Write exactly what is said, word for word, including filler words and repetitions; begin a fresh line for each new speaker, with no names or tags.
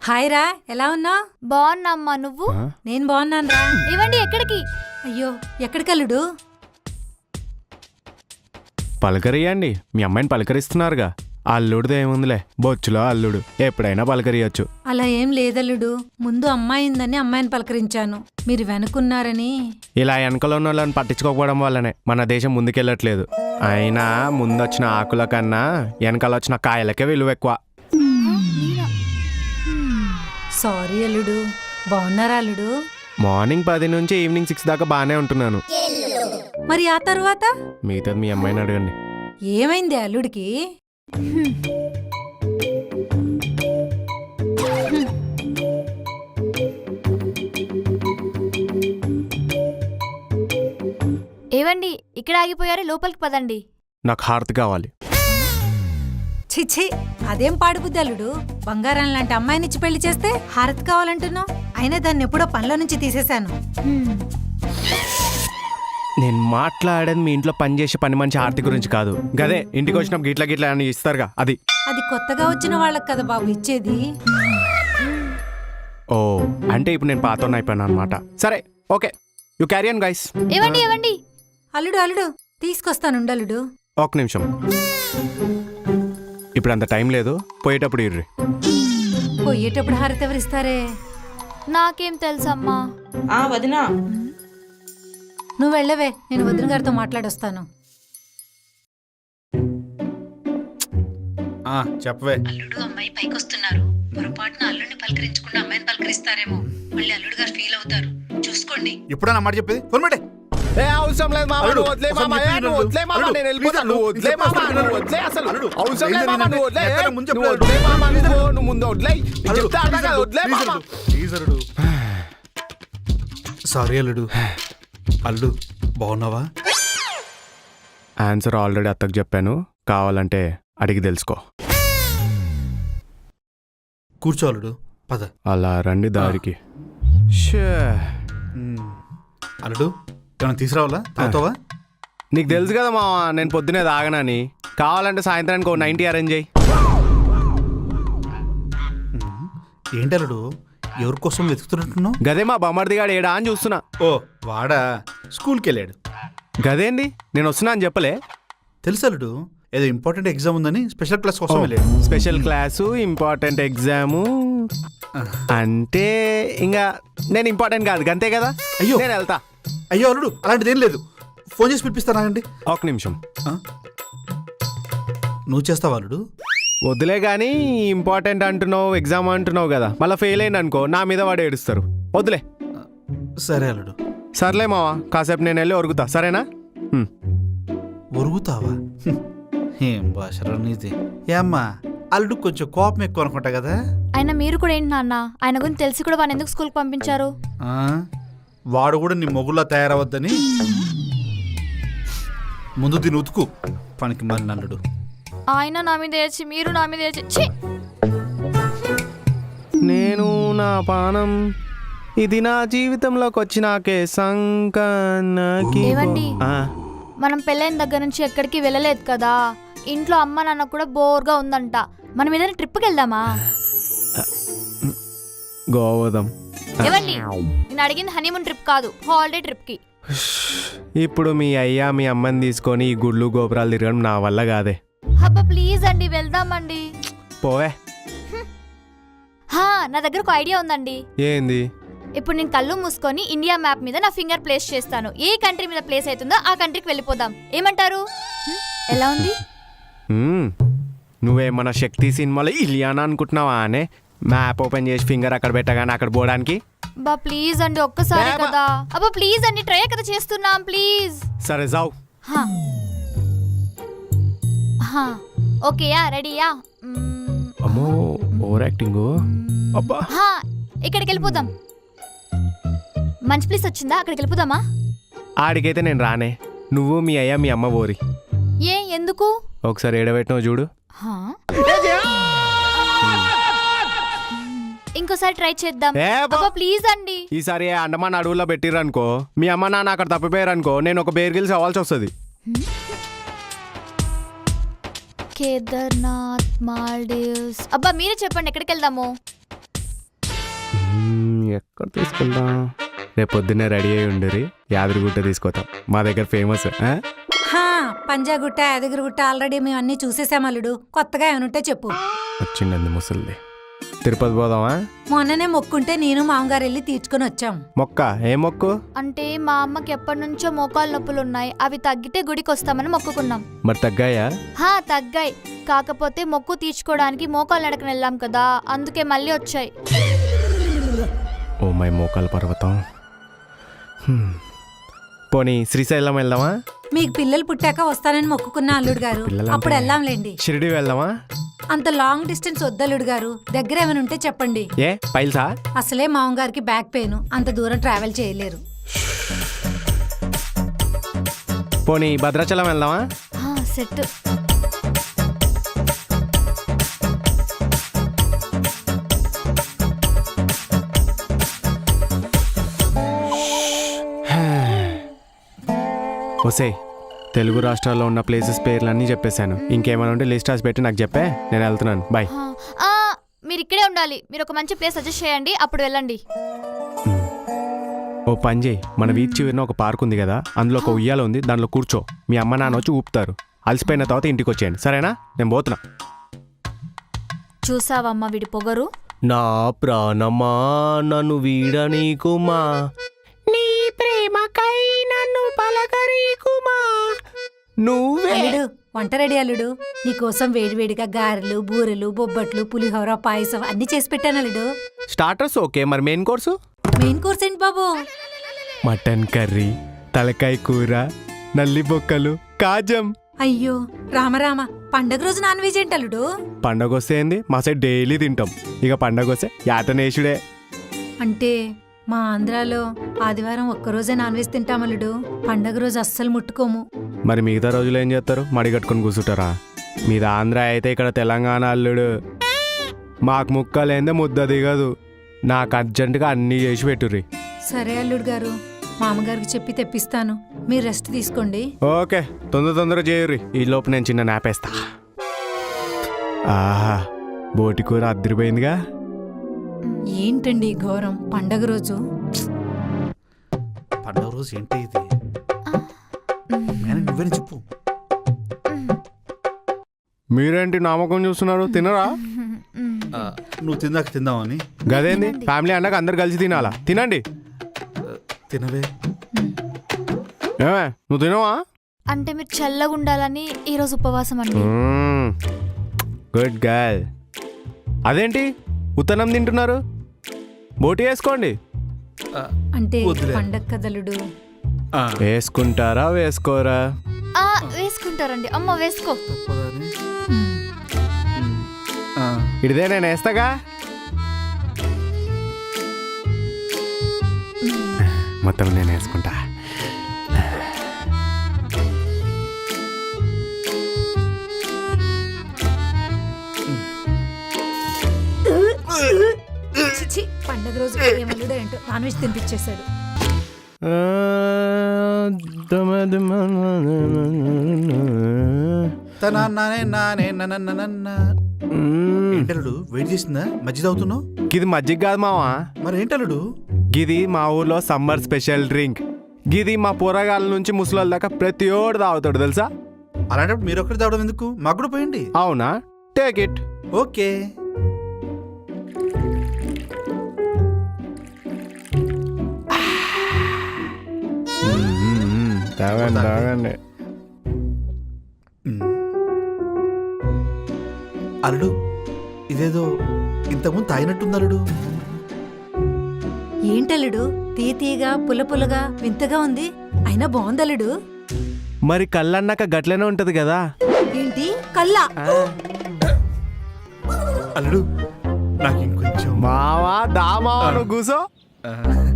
Hi రా, ఎలా ఉన్నావు?
బాగున్నామ్మా, నువ్వు?
నేను బాగున్నాను రా.
ఇవ్వండి. ఎక్కడికి?
అయ్యో, ఎక్కడికి అల్లుడు?
పలకరియండి, మీ అమ్మాయిని పలకరిస్తున్నారుగా. అల్లుడిది ఏముందిలే, బొచ్చులో అల్లుడు ఎప్పుడైనా పలకరియచ్చు.
అలా ఏం లేదల్లుడు, ముందు అమ్మాయి ఉందని అమ్మాయిని పలకరించాను, మీరు వెనుకున్నారని.
ఇలా వెనకలో ఉన్న వాళ్ళని పట్టించుకోకపోవడం వల్లనే మన దేశం ముందుకెళ్ళట్లేదు. అయినా ముందొచ్చిన ఆకుల కన్నా వెనకాల వచ్చిన కాయలకే విలువ ఎక్కువ.
సారీ అల్లుడు. బాగున్నారా అల్లుడు?
మార్నింగ్ పది నుంచి ఈవినింగ్ సిక్స్ దాకా బాగానే ఉంటున్నాను.
మరి ఆ తర్వాత
మిగతాది మీ అమ్మాయిని అడగండి.
ఏమైంది అల్లుడికి?
ఏవండి, ఇక్కడ ఆగిపోయారు, లోపలికి పదండి.
నాకు హారతి కావాలి.
చిచ్చి, అదేం పాడుబుద్ది అల్లుడు. బంగారం లాంటి అమ్మాయినిచ్చి పెళ్లి చేస్తే హారతి కావాలంటున్నావు. అయినా దాన్ని ఎప్పుడో పనిలో నుంచి తీసేశాను.
నేను మాట్లాడేది మీ ఇంట్లో పని చేసే పని మంచి హారతి గురించి కాదు. గదే ఇంటికి వచ్చినప్పుడు గిట్ల గిట్ల అని ఇస్తారుగా, అది.
అది కొత్తగా వచ్చిన వాళ్ళకి కదా బాబు ఇచ్చేది.
ఓ, అంటే ఇప్పుడు నేను పాతోన్న అయిపోయాను అనమాట. సరే, okay, you carry on guys.
ఏవండి ఏవండి
అల్లుడు అల్లుడు తీసుకొస్తాను అల్లుడు.
ఒక నిమిషం, ఇప్పుడు అంత టైం లేదు, పోయేటప్పుడు ఇర్రి.
పోయేటప్పుడు హారతి ఎవరిస్తారే?
నాకేం తెలుసమ్మా.
ఆ వదినా,
నువ్వు వెళ్ళవే, నేను వదిన గారితో మాట్లాడొస్తాను.
చెప్పవే.
అల్లుడు అమ్మాయి పైకొస్తున్నారు. పొరపాటున అల్లుడిని పలకరించకుండా అమ్మాయిని పలకరిస్తారేమో. మళ్ళీ అల్లుడు గారు ఫీల్ అవుతారు, చూసుకోండి.
ఇప్పుడన్నా మాట చెప్పేది? ఫోన్ పెట్టే.
అవసరం లేదు మామ, నువ్వు వదిలే మామ, నువ్వు వదిలే మామ, నేను వెళ్ళిపోతాను. నువ్వు వదిలే మామ, నువ్వు వదిలే, అసలు అవసరం లేదు మామ, నువ్వు వదిలే, నువ్వు వదిలే మామ, నువ్వు నువ్వు ముందు వదిలే, చెప్తా అన్నాగా, వదిలే మామ.
ప్లీజ్ అల్లుడు. సారీ అల్లుడు. అల్లుడు బాగున్నావా?
ఆన్సర్ ఆల్రెడీ అత్తకు చెప్పాను, కావాలంటే అడిగి తెలుసుకో.
కూర్చో అల్లుడు, పద.
అలా రండి దారికి.
అల్లుడు, ఏమైనా తీసుకురావాలా? తాగుతావా?
నీకు తెలుసు కదా మామ, నేను పొద్దునే తాగనని. కావాలంటే సాయంత్రానికి ఓ నైంటీ అరేంజ్ చేయి.
ఏంటి అల్లుడు, ఎవరి కోసం వెతుకుతున్నట్టున్నావు?
గదే మా బొమ్మడిదిగాడు ఏడా అని చూస్తున్నా.
ఓ, వాడా స్కూల్కి వెళ్ళాడు.
గదేంది, నేను వస్తున్నా అని చెప్పలే?
తెలుసు అల్లుడు, ఏదో ఇంపార్టెంట్ ఎగ్జామ్ ఉందని స్పెషల్ క్లాస్ కోసం వెళ్ళాడు.
స్పెషల్ క్లాసు, ఇంపార్టెంట్ ఎగ్జాము అంటే ఇంకా నేను ఇంపార్టెంట్ కాదు, అంతే కదా.
అయ్యో,
నేను వెళ్తా.
అయ్యో అల్లుడు, అలాంటిది ఏం లేదు. ఫోన్ చేసి పిలిపిస్తానా అండి?
ఒక నిమిషం.
నువ్వు చేస్తావా అల్లుడు?
వద్దులే కానీ, ఇంపార్టెంట్ అంటున్నావు, ఎగ్జామ్ అంటున్నావు కదా, మళ్ళీ ఫెయిల్ అయింది అనుకో, నా మీద వాడు ఏడుస్తారు. వద్దులే.
సరే అల్లుడు.
సర్లే మావా, కాసేపు నేను వెళ్ళి ఒరుగుతా, సరేనా?
ఒరుగుతావా? ఏం భాషరా నీది. ఏమ్మా, అల్లుడు కొంచెం కోపం ఎక్కువ అనుకుంటా కదా.
ఆయన మీరు కూడా ఏంటి నాన్న, ఆయన గురించి తెలిసి కూడా వాడిని ఎందుకు స్కూల్కి పంపించారు?
వాడు కూడా నీ మొగుల్లా తయారవద్దని ముందు దీని ఉతుకు. పనికి మరి అల్లుడు.
ఆయన నా మీద ఏడ్చి, మీరు నా మీద ఏడ్చి.
నేను నా పానం, ఇది నా జీవితంలోకి వచ్చినాకే సంకనకి.
ఏవండి, మనం పెళ్ళైన దగ్గర నుంచి ఎక్కడికి వెళ్ళలేదు కదా. ఇంట్లో అమ్మ నాన్న కూడా బోర్గా ఉందంట. మనం ఏదైనా ట్రిప్కి వెళ్దామా?
గోవదం.
ఏవండి, నేను అడిగింది హనీమూన్ ట్రిప్ కాదు, హాలిడే ట్రిప్కి.
ఇప్పుడు మీ అయ్యా మీ అమ్మని తీసుకొని ఈ గుళ్ళు గోపురాలు తిరగడం నా వల్ల కాదే.
అబ్బా ప్లీజ్ అండి, వెళ్దామండి.
పోవే.
హా, నా దగ్గర ఒక ఐడియా ఉందండి.
ఏంది?
ఇప్పుడు నేను కళ్ళు మూసుకొని ఇండియా మ్యాప్ మీద నా ఫింగర్ ప్లేస్ చేస్తాను. ఏ కంట్రీ మీద ప్లేస్ అవుతుందో ఆ కంట్రీకి వెళ్ళిపోదాం. ఏమంటారు? ఎలా ఉంది?
నువ్వేమన్నా శక్తి సినిమాలో ఇలియానా అనుకుంటున్నావా అనే? మ్యాప్ ఓపెన్ చేసి ఫింగర్ అక్కడ పెట్టగానే అక్కడ పోవడానికి.
బా ప్లీజ్ అండి, ఒక్కసారి కదా. అబ్బా ప్లీజ్ అండి, ట్రై కదా చేస్తున్నాం, ప్లీజ్.
సరే జావ్.
ఓకేయా, రెడీయా?
అమ్మో, ఓవర్ యాక్టింగ్. అబ్బా,
ఇక్కడికి వెళ్ళిపోదాం. మంచి ప్లేస్ వచ్చిందా, అక్కడికి వెళ్ళిపోదామా?
ఆడికైతే నేను రానే. నువ్వు మీ అయ్యా మీ అమ్మ పోరి.
ఏ, ఎందుకు?
ఒకసారి ఏడబెట్టినావు చూడు.
ఇంకోసారి ట్రై చేద్దాం. ప్లీజ్ అండి.
ఈసారి అండమాన్ అడవుల్లో పెట్టిరనుకో, మీ అమ్మ నాన్న అక్కడ తప్పిపోయారనుకో, నేను ఒక బేర్ గిల్స్ అవ్వాల్సి వస్తుంది.
కేదార్నాథ్, మాల్దీవ్స్. అబ్బా మీరే చెప్పండి, ఎక్కడికి వెళ్దాము?
మ్మ్, ఎక్కడ తీసుకెళ్దాం? రేపు పొద్దున్నే రెడీ అయి ఉండరి, యాదగిరిగుట్ట తీసుకొస్తాం. మా దగ్గర ఫేమస్. ఆ?
హా పంజాగుట్ట యాదగిరిగుట్ట ఆల్రెడీ మేము అన్ని చూసేసాం అల్లుడు. కొత్తగా ఏమనుంటే చెప్పు.
వచ్చిండండి ముసలిది. తిరుపతి పోదామా?
మొన్ననే మొక్కుంటే నేను మామగారు వెళ్ళి తీర్చుకొని వచ్చాం.
మొక్క ఏ మొక్కు?
అంటే మా అమ్మకి ఎప్పటి నుంచో మోకాలు నొప్పులు ఉన్నాయి, అవి తగ్గితే గుడికి వస్తామని మొక్కుకున్నాం.
మరి తగ్గాయా?
హా తగ్గాయి, కాకపోతే మొక్కు తీర్చుకోవడానికి మోకాలు నడకని వెళ్ళాం కదా, అందుకే మళ్ళీ వచ్చాయి.
ఓ మై మోకాల పర్వతం. హ్మ్. పోనీ శ్రీశైలం వెళ్దామా?
మీకు పిల్లలు పుట్టాక వస్తానని మొక్కుకున్న అల్లుడు గారు.
పిల్లలంటే-
అప్పుడు వెళ్ళాంలేండి.
షిరిడి వెళ్దామా?
అంత లాంగ్ డిస్టెన్స్ వద్దల్లుడు గారు, దగ్గర ఏమైనా ఉంటే చెప్పండి.
ఏ పైల్సా?
అసలే మామగారికి బ్యాక్ పెయిన్, అంత దూరం ట్రావెల్ చేయలేరు.
పోనీ భద్రాచలం వెళ్దామా?
హా, సెట్.
ఒసే, తెలుగు రాష్ట్రాల్లో ఉన్న ప్లేసెస్ పేర్లన్నీ చెప్పేశాను. ఇంకేమైనా ఉంటే లిస్ట్ రాసి పెట్టి నాకు చెప్పే, నేను వెళ్తున్నాను. బాయ్.
హా, ఆ, మీరు ఇక్కడే ఉండాలి. మీరు ఒక మంచి ప్లేస్ సజెస్ట్ చేయండి, అప్పుడు వెళ్ళండి.
ఓ పని చేయి, మన వీధి చివరిన ఒక పార్క్ ఉంది కదా, అందులో ఒక ఉయ్యాల ఉంది, దాంట్లో కూర్చో. మీ అమ్మ నాన్న వచ్చి ఊపుతారు. అలసిపోయిన తర్వాత ఇంటికి వచ్చేయండి, సరేనా? నేను పోతున్నా.
చూసావమ్మా వీడి పొగరు.
నా ప్రాణమా నన్ను వీడనీకుమా, నీ ప్రేమకై నన్ను పలకరీకుమా, నువ్వే.
అల్లుడు వంట రెడీ అల్లుడు. నీకోసం వేడివేడిగా గారెలు, బూరెలు, బొబ్బట్లు, పులిహోర, పాయసం అన్ని చేసి పెట్టాను అల్లుడు.
స్టార్టర్స్ ఓకే, మరి మెయిన్ కోర్సు?
మెయిన్ కోర్స్ ఏంటి బాబు?
మటన్ కర్రీ, తలకాయ కూర, నల్లి బొక్కలు, కాజం.
అయ్యో రామరామ, పండగ రోజు నాన్ వెజ్ ఏంటి అల్లుడు?
పండగ వస్తే ఏంది, మా సైడ్ డైలీ తింటాం. ఇక పండగ వస్తే యాటనేషుడే.
అంటే మా ఆంధ్రాలో ఆదివారం ఒక్కరోజే నాన్ వెజ్ తింటాం అల్లుడు. పండగ రోజు అస్సలు ముట్టుకోము.
మరి మిగతా రోజులు ఏం చేస్తారు? మడి కట్టుకొని కూర్చుంటారా? మీది ఆంధ్ర అయితే ఇక్కడ తెలంగాణ అల్లుడు. మాకు ముక్కలేందే ముద్ద దిగదు. నాకు అర్జెంటుగా అన్నీ చేసి పెట్టుర్రి.
సరే అల్లుడు గారు, మామగారికి చెప్పి తెప్పిస్తాను. మీరు రెస్ట్ తీసుకోండి.
ఓకే, తొందర తొందరగా చేయుర్రి. ఈ లోపు నేను చిన్న నాపేస్తా. ఆహా, బోటి కూర అద్దరిపోయిందిగా.
ఏంటండి ఈ ఘోరం? పండగ రోజు
పండుగ రోజు ఏంటి ఇది? మేడం నువ్వేనా చెప్పు.
మీరేంటి నామకం చూస్తున్నారు? తినరా?
ఆ, నువ్వు తిందాక తిందామని.
గదేంది, ఫ్యామిలీ అన్నాక అందరు కలిసి తినాలా? తినండి.
తినవే.
ఏమే నువ్వు తినవా?
అంటే మీరు చల్లగా ఉండాలని ఈరోజు ఉపవాసం అండి.
Good girl. అదేంటి ఉత్తనం తింటున్నారు? బోటి వేసుకోండి.
ఆ,
అంటే
వద్దులే.
పండగ కదలుడు.
ఆ,
వేసుకుంటారా వేసుకోరా?
ఆ, వేసుకుంటారండి. అమ్మ వేసుకో.
తప్పదని.
మ్,
ఆ,
ఇదే నేను వేస్తాగా. మొత్తం నేను వేసుకుంటా.
చిచి, పండగ రోజు ఏమల్లుడో ఏంటో నాన్ వెజ్ తినిపించేశాడు.
తన నానే నానే ననననన్న. ఏంటలుడు వెయిట్ చేసిందా? మజ్జిగ తాగుతున్నావు?
గిది మజ్జిగ కాదు మావా,
మరి ఏంటలుడు?
గిది మా ఊర్లో సమ్మర్ స్పెషల్ డ్రింక్. గిది మా పోరగాళ్ళ నుంచి ముసలోళ్ళ దాకా ప్రతి ఓడు తాగుతాడు తెలుసా.
అలాంటప్పుడు మీరు ఒక్కటి తాగడం ఎందుకు? మాకు కూడా పోయండి.
అవునా? Take it.
ఓకే.
తాగండి తాగండి.
మ్. అల్లుడు ఇదేదో ఇంతకుముందు తాగినట్టుంది అల్లుడు.
ఏంటల్లుడు తీయ తీయగా పుల్ల పుల్లగా వింతగా ఉంది, అయినా బాగుందల్లుడు.
మరి కళ్ళన్నాక గట్లనే ఉంటది కదా.
ఏంటి కల్లా?
అల్లుడు నాకు ఇంకొంచెం.
మావా దా మావా, నువ్వు కూసో.
ఆ.